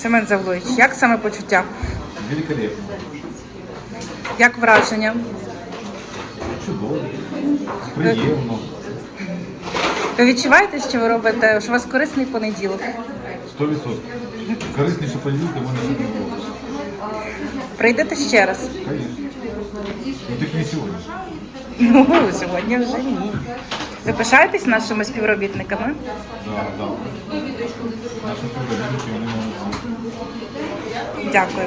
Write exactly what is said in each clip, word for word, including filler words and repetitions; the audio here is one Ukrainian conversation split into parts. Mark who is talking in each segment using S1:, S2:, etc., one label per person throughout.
S1: Семен Завлович, як саме почуття?
S2: Великолепно.
S1: Як враження?
S2: Чудово. Приємно.
S1: Ви відчуваєте, що ви робите, що у вас корисний понеділок?
S2: Сто відсотків. Корисніше понеділка в мене не було.
S1: Прийдете ще раз?
S2: Звісно. Ну тільки не сьогодні.
S1: Ну, сьогодні вже ні. Ви пишаєтесь нашими співробітниками?
S2: Так, так. Наші співробітники, вони молодці.
S1: Дякую.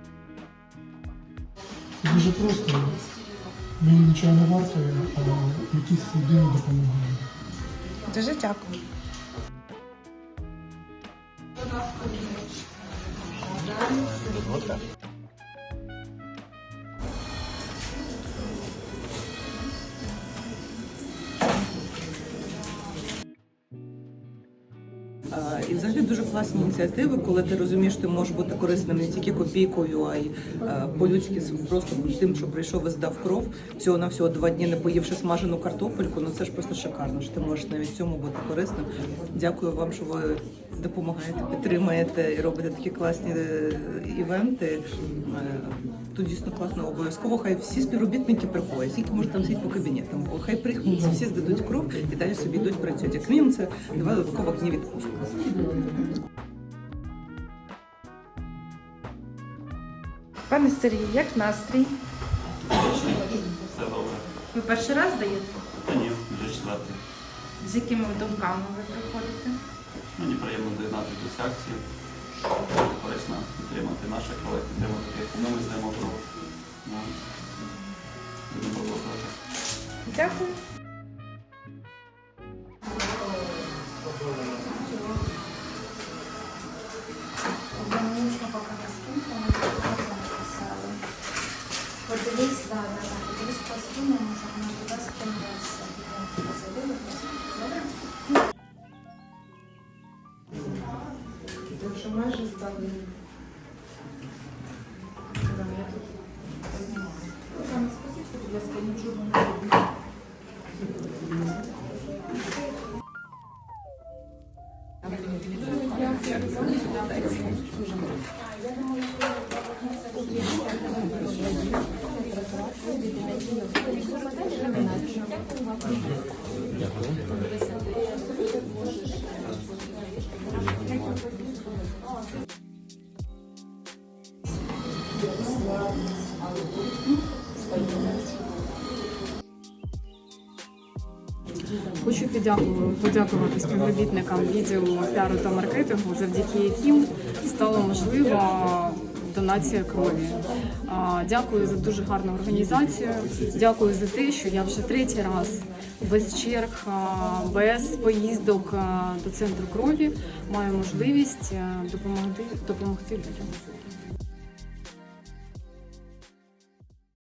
S3: Це дуже просто. Мені нічого не вартує, а якісь людині допомагають.
S1: Дуже дякую.
S4: І взагалі дуже класні ініціативи, коли ти розумієш, що ти можеш бути корисним не тільки копійкою, а й е, по-людськи просто тим, що прийшов і здав кров. Всього на всього два дні не поївши смажену картопельку. Ну це ж просто шикарно, що ти можеш навіть в цьому бути корисним. Дякую вам, що ви допомагаєте, підтримуєте і робите такі класні е, івенти. Е, Тут дійсно класно, обов'язково хай всі співробітники приходять, скільки може там сидіти по кабінетам, бо хай приходять, всі здадуть кров і далі собі йдуть працюють. Як мінімум це два додаткових дні відпустку.
S1: Пане Сергію, як настрій?
S5: Все добре.
S1: Ви перший раз даєте?
S5: Та ні, вже четвертий.
S1: З якими думками ви приходите?
S5: Мені приємно доєднатися до цієї акції. Корисно підтримати наших колег, підтримати тих, кому ми здаємо кров. Ну, будемо продовжувати.
S1: Дякую.
S6: Одномічно поки на скинку, ми написали. Подивись, да, да, да, подивись по скину, може вона туди скинулася. Добре?
S7: Якщо майже стали. Я тут знімаю. Там скажіть, будь ласка, нічого не робити.
S8: Хочу подякувати, подякувати співробітникам відділу піару та маркетингу, завдяки яким стало можливо донація крові. Дякую за дуже гарну організацію. Дякую за те, що я вже третій раз без черг, без поїздок до центру крові маю можливість допомогти, допомогти людям.